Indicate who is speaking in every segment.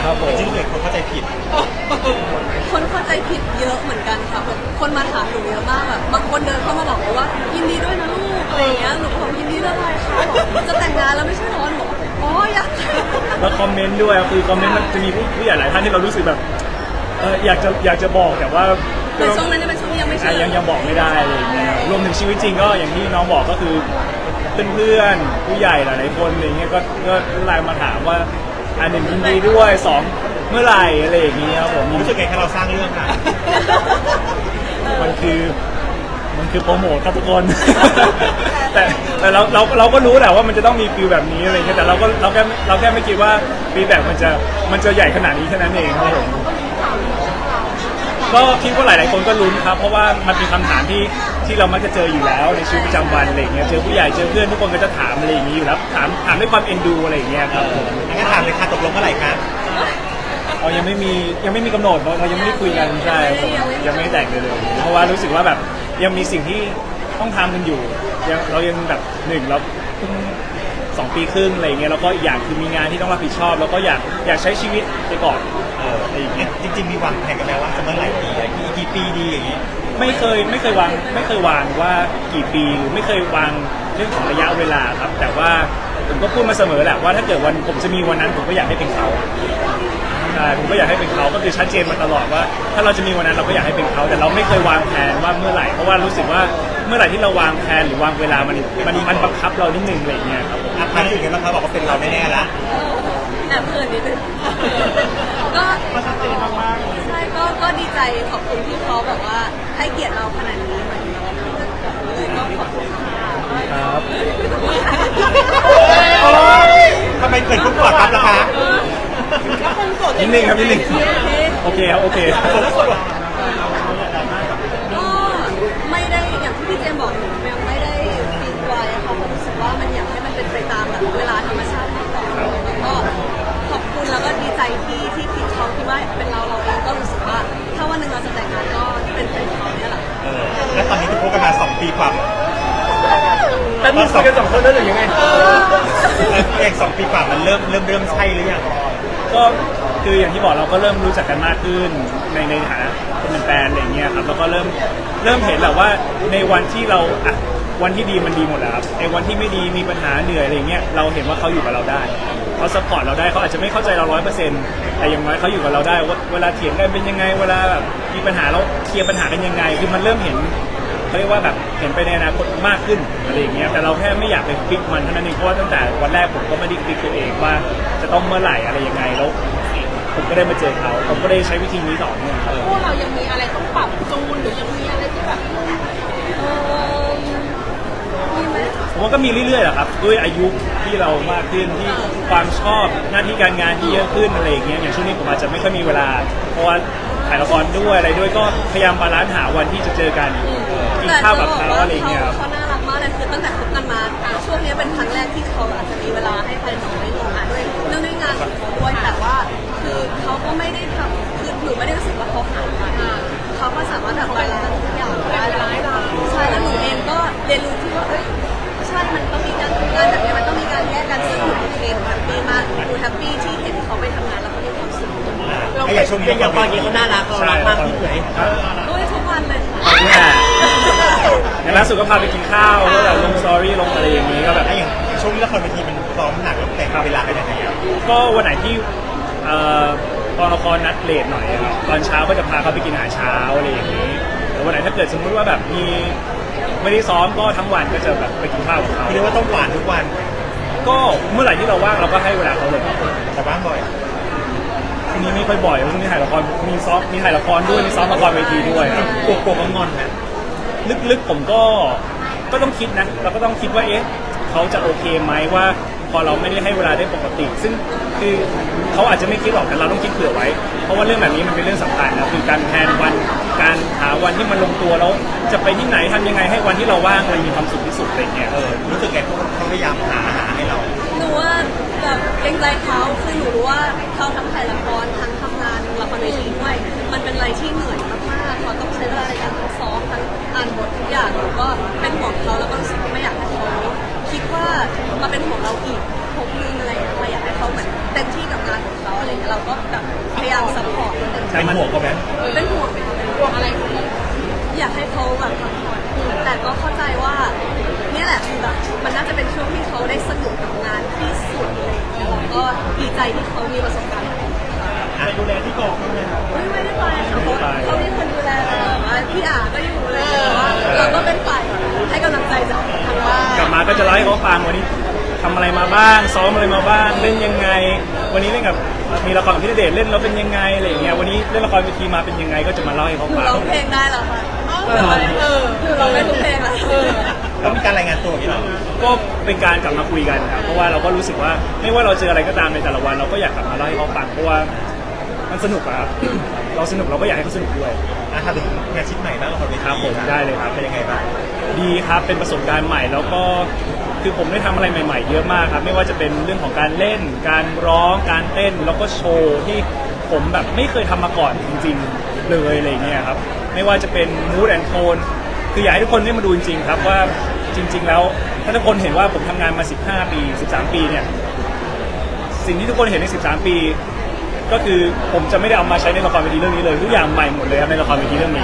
Speaker 1: ครับผม
Speaker 2: จริงๆเด็กคนเข้าใจผิด
Speaker 3: คนเข้าใจผิดเยอะเหมือนกันค่ะแบบคนมาถามหนูเยอะมากแบบบางคนเดินเข้ามาบอกว่ายินดีด้วยนะลูกอะไรอย่างเงี้ยหนูก็บอกยินดีด้วยอะไรคะบอกจะแต่งงานแล้วไม่ใช่หรอหนูบอกอ๋ออยาก
Speaker 1: แล้วคอมเมนต์ด้วยคือคอมเมนต์มันจะมีผู้ใหญ่หลายท่านที่เรารู้สึกแบบอยากจะบอกแต่ว่า
Speaker 3: ในช่วงนั้นเป็นช่วงที่ยังไม่เชื่อ
Speaker 1: ยังบอกไม่ได้อะไรอย่างเงี้ยรวมถึงชีวิตจริงก็อย่างที่น้องบอกก็คือเพื่อนๆผู้ใหญ่หลายๆคนอะไรเงี้ยก็ไลน์มาถามว่า1ยินดีด้วย2เมื่อไหร่อะไรอย่างเงี้ยครับผม
Speaker 2: รู้สึกไงแค่เราสร้างเรื่องอ่ะ
Speaker 1: มันคือโปรโมทครับทุกคน แต่เราก็รู้แหละว่ามันจะต้องมีฟีลแบบนี้อะไรเงี้ยแต่เราแค่ไม่คิดว่าฟีลแบบมันจะใหญ่ขนาดนี้แค่นั้นเองครับผมก็คิดว่าหลายๆคนก็ลุ้นครับเพราะว่ามันเป็นคำถามที่เรามักจะเจออยู่แล้วในชีวิตประจำวันอะไรเงี้ยเจอผู้ใหญ่เจอเพื่อนทุกคนก็จะถามอะไรอย่างนี้อยู่แล้วถามด้วยความเอ็นดูอะไรอย่างเงี้ยครับผม
Speaker 2: งั้นถามเลยค่ะตกลงเมื่อไหร่ครับ
Speaker 1: ยังไม่มีกำหนดเรายังไม่ได้คุยกันใช่ผมยังไม่แต่งเลยเพราะว่ารู้สึกว่าแบบยังมีสิ่งที่ต้องทำกันอยู่เรายังแบบเราเพิ่ง2 ปีครึ่งอะไรเงี้ยแล้วก็อีกอย่างคือมีงานที่ต้องรับผิดชอบแล้วก็อยากใช้ชีวิตไปก่อนอะไรอย่างเงี้ย
Speaker 2: จริงๆมีวางแผนกันแล้วว่าจะเมื่อไหร่ดีกี่ปีดีอย่างงี้
Speaker 1: ไม่เคยวางว่ากี่ปีหรือไม่เคยวางเรื่องของระยะเวลาครับแต่ว่าผมก็พูดมาเสมอแหละว่าถ้าเกิดวันผมจะมีวันนั้นผมก็อยากให้เป็นเขาใช่ผมก็อยากให้เป็นเขาก็คือชัดเจนมาตลอดว่าถ้าเราจะมีวันนั้นเราก็อยากให้เป็นเขาแต่เราไม่เคยวางแผนว่าเมื่อไหร่เพราะว่ารู้สึกว่าเมื่อไหร่ที่เราวางแผนหรือวางเวลามันบังคับเรานิดนึงอะไรเงี้ยครับผม
Speaker 2: อารู้สึกยังไงบ้างครับบอกว่าเป็นเราแน่ๆละ
Speaker 3: แอบเขินนิดนึงก็ชัดเจนมากๆใช่ก็ดีใจขอบคุณที่เขาแบบว่าให้เกียรติเราขนาดนี้เหมือนก็ขอบคุณ
Speaker 1: ครับ
Speaker 2: ทำไมเกิดทุกข์กอดรับล่ะคะ
Speaker 1: นิดนึงครับนิดนึงโอเคครับโอเค
Speaker 3: ก็ไม่ได้อย่างที่พี่เจมบอกหนูยังไม่ได้ฟีลไว้ค่ะผมรู้สึกว่ามันอยากให้มันเป็นไปตามแบบเวลาธรรมชาติมากกว่าแล้วก็ขอบคุณแล้วก็ดีใจที่คิดเขาคิดว่าเป็นเราเองก็รู้สึกว่าถ้าวันหนึ่งเราจะแต่งงานก็เป็นเขาเนี่ยแหละ
Speaker 2: แล้วตอนนี้ที่พบกันมา2 ปีกว่า
Speaker 1: แต่มีคุยกัน2 คนแล้วหรือยังไง
Speaker 2: เอง2 ปีกว่ามันเริ่มใช่หรือยัง
Speaker 1: ก็คืออย่างที่บอกเราก็เริ่มรู้จักกันมากขึ้นในฐานะคนเป็นแฟนอะไรเงี้ยครับแล้วก็เริ่มเห็นแหละว่าในวันที่เราวันที่ดีมันดีหมดแล้วครับไอ้วันที่ไม่ดีมีปัญหาเหนื่อยอะไรเงี้ยเราเห็นว่าเขาอยู่กับเราได้เขาซัพพอร์ตเราได้เขาอาจจะไม่เข้าใจเรา100%แต่อย่างน้อยเขาอยู่กับเราได้ว่าเวลาเถียงกันเป็นยังไงเวลาแบบมีปัญหาเราเคลียร์ปัญหากันยังไงคือมันเริ่มเห็นเขาเรียกว่าแบบเห็นไปในอนาคตมากขึ้นอะไรอย่างเงี้ยแต่เราแค่ไม่อยากไปฟิกมันเท่านั้นเองเพราะว่าตั้งแต่วันแรกผมก็ไม่ได้ฟิกตัวเองว่าจะต้องเมื่อไหร่อะไรยังไงแล้วผมก็ได้มาเจอเขาผมก็ได้ใช้วิธีนี้ต่อเนื่องครับ
Speaker 3: พวกเรายังมีอะไรต้องปรับจูนหรือยังมีอะไรที่แบบมีไหม
Speaker 1: ผมว่าก็มีเรื่อยๆแหละครับด้วยอายุที่เรามากขึ้นที่ความชอบหน้าที่การงานที่เยอะขึ้นอะไรอย่างเงี้ยอย่างช่วงนี้ผมอาจจะไม่ค่อยมีเวลาเพราะว่าถ่ายละครด้วยอะไรด้วยก็พยายามบาลานซ์หาวันที่จะเจอกันกินข้าวกับเขาอะไรอย่างเงี้ย
Speaker 3: เขาน่ารักมากเลยคือตั้งแต่คบกันมาช่วงนี้เป็นครั้งแรกที่เขาอาจจะมีเวลาให้ใครน้อยลงด้วยเรื่องด้วยงานของเขาด้วยแต่ว่าคือเขาก็ไม่ได้ทำคือหนูไม่ได้รู้สึกว่าเขาหายไปเขาก็สามารถแบบบาลานซ์ทุกอย่างได้ใช่แล้วหนูเองก็เรียนรู้ที่ว่าใช่มันต้องมีการทำงานแบบนี้มันต้องมีการแยกกันซึ่งหนูโอเคหนูแฮปปี้มากหนูแฮปปี้ที่เห็นเขาไปทำงานแล้วเขามีความสุข
Speaker 2: ไอ้อย่างช่วงนี้อย่างตอนนี้เขาน่ารักเรารักมากขึ้นเลย
Speaker 3: ด้วยทุกวันเลยค่ะ
Speaker 1: อย่างล่าสุดก็พาไปกินข้าวแล้วแบบลงสตอรี่ลงอะไรอย่างนี้ก็แบบ
Speaker 2: อย่างช่วงนี้ละครเวทีมันซ้อมหนักแล้วแต่งเวลาเป็นยังไง
Speaker 1: ก็วันไหนที่ตอนละครนัดเลทหน่อยครับตอนเช้าก็จะพาเขาไปกินอาหารเช้าอะไรอย่างนี้แต่วันไหนถ้าเกิดสมมติว่าแบบมีไม่ได้ซ้อมก็ทั้งวันก็จะแบบไปกินข้าวกับเขา
Speaker 2: เรียกว่าต้องหวานทุกวัน
Speaker 1: ก็เมื่อไหร่ที่เราว่างเราก็ให้เวลาเขาเลย
Speaker 2: แต่ว่างบ่อย
Speaker 1: ทีนี้ไม่ค่อยบ่อยเพราะมีถ่ายละครมีซ้อมมีถ่ายละครด้วยมีซ้อมละครเวทีด้วย
Speaker 2: กลัวงอนนะ
Speaker 1: ลึกๆผมก็ต้องคิดนะเราก็ต้องคิดว่าเขาจะโอเคไหมว่าพอเราไม่ได้ให้เวลาได้ปกติซึ่งคือเขาอาจจะไม่คิดหรอกแต่เราต้องคิดเผื่อไว้เพราะว่าเรื่องแบบนี้มันเป็นเรื่องสำคัญนะคือการแทนวันการหาวันที่มันลงตัวแล้วจะไปที่ไหนทำยังไงให้วันที่เราว่างมันมีความสุขที่สุดอะไรเงี้ย
Speaker 2: รู้สึกไงเขาพยายามหาให้เรา
Speaker 3: หนูว่าแบบเกรงใจเขาคือหนูรู้ว่าเขาทั้งถ่ายละครทั้งทำงานละครเวทีด้วยมันเป็นอะไรที่เหนื่อยมากๆเขาต้องใช้เวลาในการซ้อมทั้งอ่านบททุกอย่างแล้วก็เป็นห่วงเขาแล้วก็รู้สึกไม่อยากให้เขาคิดว่ามาเป็นห่วงเราอีกพบนึงอะไรเราอยากให้เขาเหมือนเต็มที่กับงานของเขาอะไรเงี้ยเราก็แบบ
Speaker 2: เป็นห่วงเขาไหม
Speaker 3: เป็นห่วง
Speaker 4: ห่วงอะไรคุณ
Speaker 3: อยากให้เขาแบบพักผ่อนแต่ก็เข้าใจว่าเนี่ยแหละคือแบบมันน่าจะเป็นช่วงที่เขาได้สนุกกับงานที่สุดเลยแล้วก็ดีใจที่เขามีประสบการณ์แบบนี้ค่ะ
Speaker 2: ดูแลที่กองบ้างไหมครับ
Speaker 3: ไม่ได้ไปค่ะเพราะเขามีคนดูแลพี่อาก็อยู่เลยแต่ว่าเราก็เป็นฝ่ายให้กำลังใจจากทางบ้าน
Speaker 1: กลับมาก็จะเล่าให้เขาฟังวันนี้ทำอะไรมาบ้างซ้อมอะไรมาบ้างเล่นยังไง วันนี้เล่นกับมีละครกับพี่ณเดชน์เล่นแล้วเป็นยังไงอะไรอย่างเงี้ยวันนี้เล่นละครเวทีมาเป็นยังไงก็จะมาเล่าให้เขา
Speaker 3: หนู
Speaker 1: ฟัง
Speaker 3: ร้องเพลงได้เหรอคะหนูร้องได้ทุกเพลงแล้ว
Speaker 2: เขามีการรายงานตัวอย่างนี้เหรอ
Speaker 1: ก็เป็นการกลับมาคุยกันครับเพราะว่าเราก็รู้สึกว่าไม่ว่าเราเจออะไรก็ตามในแต่ละวันเราก็อยากกลับมาเล่าให้เขาฟังเพราะว่ามันสนุกอะครับ เราสนุกเราก็อยากให้เขาสนุกด้วย
Speaker 2: ทำถึงงานชิ้นใหม่บ้างละครเวที
Speaker 1: ครับผมได้เลยครับ
Speaker 2: เป็นยังไงบ้าง
Speaker 1: ดีครับเป็นประสบการณ์ใหม่แล้วก็คือผมได้ทำอะไรใหม่ๆเยอะมากครับไม่ว่าจะเป็นเรื่องของการเล่น การร้องการเต้นแล้วก็โชว์ที่ผมแบบไม่เคยทำมาก่อนจริงๆเลยอะไรเงี้ยครับไม่ว่าจะเป็น mood and tone คืออยากให้ทุกคนได้มาดูจริงๆครับว่าจริง ๆ แล้วถ้าทุกคนเห็นว่าผมทำงานมา15ปี13ปีเนี่ยสิ่งที่ทุกคนเห็นใน13ปีก็คือผมจะไม่ได้เอามาใช้ในละครเวทีเรื่องนี้เลยทุกอย่างใหม่หมดเลยครับในละครเวทีเรื่องนี้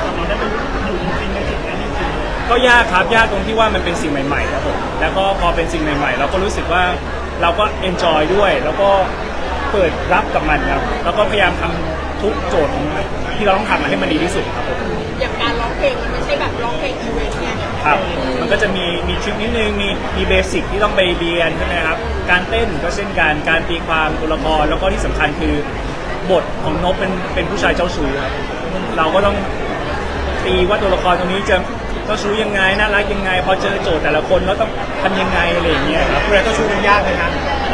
Speaker 1: ก็ยากครับยากตรงที่ว่ามันเป็นสิ่งใหม่ๆครับผมแล้วก็พอเป็นสิ่งใหม่ๆเราก็รู้สึกว่าเราก็เอนจอยด้วย แล้วก็เปิดรับกับมันครับแล้วก็พยายามทำทุกโจทย์ที่เราต้องทำให้มันดีที่สุดครับผม
Speaker 4: อย่างการร้องเพลงมันไม่ใช่แบบร้องเพลงอีเวนต์ไง
Speaker 1: ครับมันก็จะมีทริคนิดนึงมีเบสิกที่ต้องไปเรียนใช่ไหมครับการเต้นก็เช่นกันการตีความตัวละครแล้วก็ที่สำคัญคือบทของนพเป็นผู้ชายเจ้าชู้ครับเราก็ต้องตีว่าตัวละครตรงนี้จะเจ้าชู้ยังไงน่ารักยังไงพอเจอโจทย์แต่ละคนแล้วต้องทำยังไงอะไรอย่างเงี้ยครับ
Speaker 2: ดูแลเจ้าชู้มันยากไหมครับ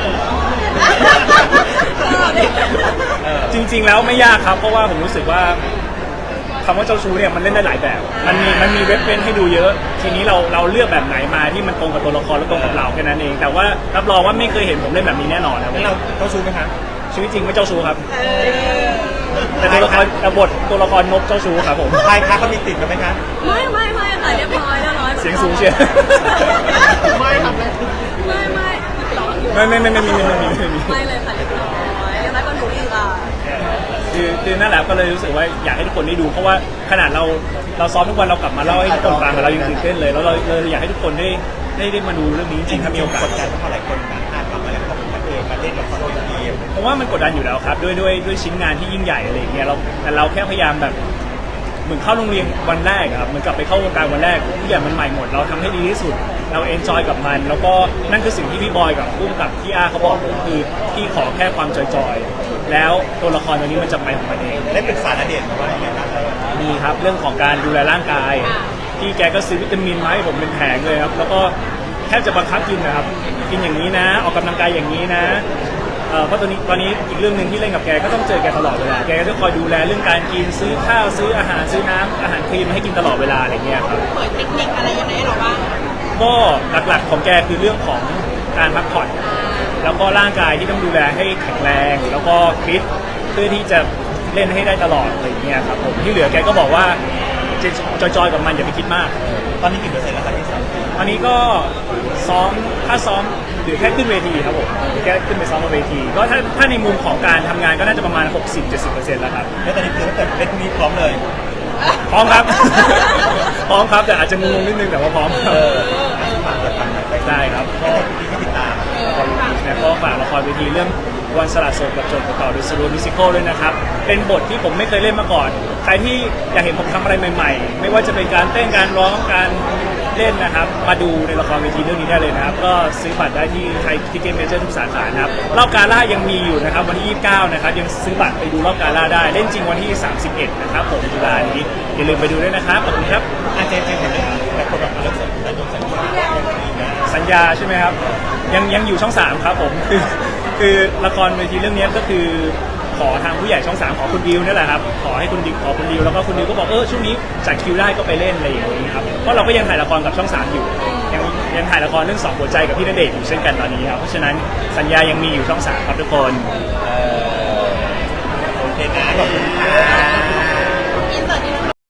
Speaker 1: จริงๆแล้วไม่ยากครับเพราะว่าผมรู้สึกว่าคำว่าเจ้าชู้เนี่ยมันเล่นได้หลายแบบมันมีเว็บให้ดูเยอะ ทีนี้เราเลือกแบบไหนมาที่มันตรงกับตัวละครและตรงกับเราแค่นั้นเองแต่ว่ารับรองว่าไม่เคยเห็นผมเล่นแบบนี้แน่นอนครับ
Speaker 2: แล้วเราเจ้าชู้ไหมครับ
Speaker 1: ชีวิตจริงไม่เจ้าชู้ครับแต่ตัวละครบทตัวละครนกเจ้าชู้ครับผม
Speaker 2: ใครคะเขามีติดกันไหมครับ
Speaker 3: ไม่ค่ะเรียบร้อย
Speaker 1: เสียงสูงเชียว
Speaker 4: ไม่ทำอะไร
Speaker 3: ไม่ร้องอยู่
Speaker 1: ไม่มี
Speaker 3: ไม่เลยค่ะเรียบร้อยยังไงก็หนูอีกอ่ะ
Speaker 1: คือนั่นแหละก็เลยรู้สึกว่าอยากให้ทุกคนได้ดูเพราะว่าขนาดเราซ้อมทุกวันเรากลับมาเล่าให้ทุกคนฟังเรายังตื่นเต้นเลยแล้วเราอยากให้ทุกคนได้มาดูเรื่องนี้จริงๆถ้ามีโอกาส
Speaker 2: กดดันเพราะหลายคนนะคาดหวังอะไรของพระเอกมาเล่นละครเวที
Speaker 1: ผมว่ามันกดดันอยู่แล้วครับด้วยชิ้นงานที่ยิ่งใหญ่อะไรอย่างเงี้ยแต่เราแค่พยายามแบบเหมือนเข้าโรงเรียนวันแรกอะครับเหมือนกลับไปเข้าวงการวันแรกทุกอย่างมันใหม่หมดเราทำให้ดีที่สุดเราเอนจอยกับมัน แล้วก็นั่นคือสิ่งที่พี่บอยกับพุ่มกับพี่อาเขาบอกผมคือพี่ขอแค่ความจอยๆแล้วตัวละครตัวนี้มันจะไปของมันเอง
Speaker 2: ได้ปรึกษาณเดชน์ว่าอย่างไรบ้างครับ
Speaker 1: มีครับเรื่องของการดูแลร่างกายพี่แกก็ซื้อวิตามินมาให้ผมเป็นแผงเลยครับแล้วก็แทบจะบังคับกินนะครับกินอย่างนี้นะออกกำลังกายอย่างนี้นะเพราะตอนนี้อีกเรื่องหนึ่งที่เล่นกับแกก็ต้องเจอแกตลอดเวลาแกก็จะคอยดูแลเรื่องการกินซื้อข้าวซื้ออาหารซื้อน้ำอาหารคลีนมาให้กินตลอดเวลาอะไรเงี้ยครับ
Speaker 4: เปิดเทคนิคอะไรยังไงให้เราบ้าง
Speaker 1: ก็หลักๆของแกคือเรื่องของการพักผ่อนแล้วก็ร่างกายที่ต้องดูแลให้แข็งแรงแล้วก็ฟิตเพื่อที่จะเล่นให้ได้ตลอดอะไรเงี้ยครับผมที่เหลือแกก็บอกว่าจอยๆกับมันอย่าไปคิดมาก
Speaker 2: ตอนนี้กี่เปอร์เซ็นต์แล้วครับพี่สาว
Speaker 1: อันนี้ก็ซ้อมถ้าซ้อมหรือแค่ขึ้นเวทีครับผมหรือแค่ขึ้นไปซ้อมบนเวทีก็ถ้าในมุมของการทำงานก็น่าจะประมาณ 60-70% แล้วครับ
Speaker 2: แล้วตอนนี้คือถ้าเกิดเล่นพรุ่งนี้พร้อมเลย
Speaker 1: พร้อมครับ พร้อมครับแต่อาจจะงงๆนิดนึงแต่ว่าพร้อมครับ
Speaker 2: ฝากเปิดฟังได้
Speaker 1: ได้ครับ
Speaker 2: ก็ให้พี่ติดตาม
Speaker 1: ละครเวทีนะก็ฝากละครเวทีเรื่องวันสละโสดกับโจทย์ต่อโดยสรุปมิวสิควลด้วยนะครับเป็นบทที่ผมไม่เคยเล่นมาก่อนใครที่อยากเห็นผมทำอะไรใหม่ๆ ไม่ว่าจะเป็นการเต้นการร้องการเล่นนะครับมาดูในละครเวทีเรื่องนี้ได้เลยนะครับก็ซื้อบัตรได้ที่ไทยทิกเก็ตเมเจอร์ทุกสาขานะครับรอบกาล่ายังมีอยู่นะครับวันที่29นะครับยังซื้อบัตรไปดูรอบกาล่าได้เล่นจริงวันที่31นะครับผมตุลานี้อย่าลืมไปดูด้วยนะครับขอบคุณครับ
Speaker 2: เจมเห็นไหมแต่คนแบบเลิกสัญญา
Speaker 1: สัญญาใช่ไหมครับยังอยู่ช่อง 3 ครับผมคือละครเวทีเรื่องนี้ก็คือขอทางผู้ใหญ่ช่อง 3ขอคุณดิวนี่แหละครับขอให้คุณดิวแล้วก็คุณดิวก็บอกช่วงนี้จัดคิวได้ก็ไปเล่นอะไรอย่างนี้ครับเพราะเราก็ยังถ่ายละครกับช่อง 3อยู่ยังถ่ายละครเรื่อง2หัวใจกับพี่ณเดชน์อยู่เช่นกันตอนนี้ครับเพราะฉะนั้นสัญญายังมีอยู่ช่อง 3ครับทุกคน
Speaker 2: โอเคนะขอบคุณค่ะ